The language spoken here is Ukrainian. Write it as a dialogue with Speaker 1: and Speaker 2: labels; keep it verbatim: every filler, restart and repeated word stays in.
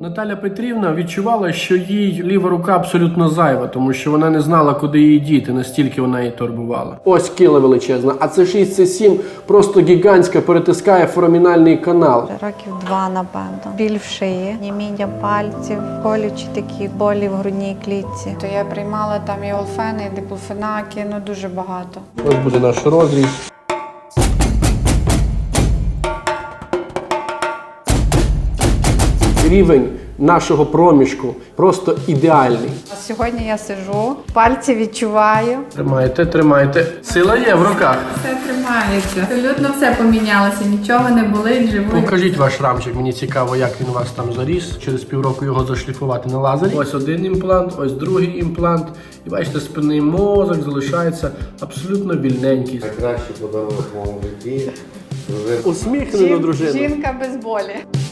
Speaker 1: Наталя Петрівна відчувала, що їй ліва рука абсолютно зайва, тому що вона не знала, куди її діти, настільки вона її турбувала. Ось кіла величезна, а це шість це сім, просто гігантська, перетискає форамінальний канал.
Speaker 2: Років два, напевно. Біль в шиї, німіння пальців, колючі такі болі в грудній клітці. То я приймала там і олфени, і диклофенаки, ну дуже багато.
Speaker 1: Ось буде наш розріз. Рівень нашого проміжку просто ідеальний.
Speaker 2: А сьогодні я сиджу, пальці відчуваю.
Speaker 1: Тримайте, тримайте. Сила є в руках.
Speaker 3: Все тримається. Абсолютно все помінялося, нічого не болить, живу.
Speaker 1: Покажіть ваш рамчик, мені цікаво, як він у вас там заріс. Через півроку його зашліфувати на лазері. Ось один імплант, ось другий імплант. І бачите, спинний мозок залишається абсолютно вільненький.
Speaker 4: Найкращий подарунок в моєму житті.
Speaker 1: Усміхнена дружина.
Speaker 2: Жінка без болі.